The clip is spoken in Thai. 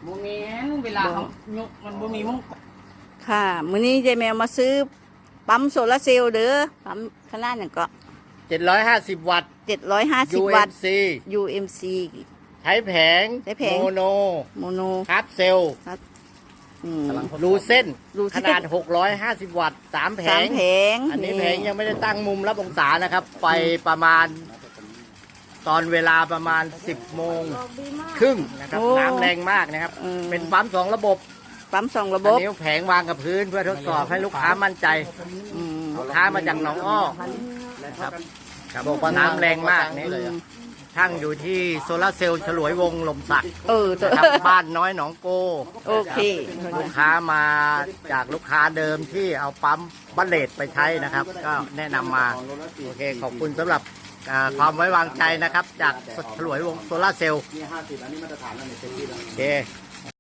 โมเมนเวลาเขายกมันบ่มีมุ้งค่ะมื้อนี้ยายแมวมาซื้อปั๊มโซลาร์เซลล์เด้อปั๊มขนาดนั้นก็ 750 วัตต์ 750 วัตต์ UMC UMC ใช้แผงใช้แผงโมโนโมโนคาร์บเซลล์อืมรูเส้นรูเส้ขนนาด 650 วัตต์ 3 แผสามงแผงอันนี้แผงยังไม่ได้ตั้งมุมรับองศานะครับ ไปประมาณตอนเวลาประมาณ 10 โมงครึ่งนะครับ น้ำแรงมากนะครับ เป็นปั๊ม2 ระบบปั๊มสองระบอันบนี้แผงวางกับพื้นเพื่อทดสอบให้ลูกค้ามั่นใจอืมลูกค้ามาจากหนองอ้อนะครับครับบอกว่าน้ำแรงมากนี่ช่างอยู่ที่โซลาร์เซลล์ฉลวยวงศ์ลมสักตัวนะครับบ้านน้อยหนองโกโอเคลูกค้ามาจากลูกค้าเดิมที่เอาปั๊มบัลเลตไปใช้นะครับ ก็แนะนำมาโอเคขอบคุณสำหรับความไว้วางใจนะครับ จากฉลวยวงศ์โซลาร์เซลล์โอเค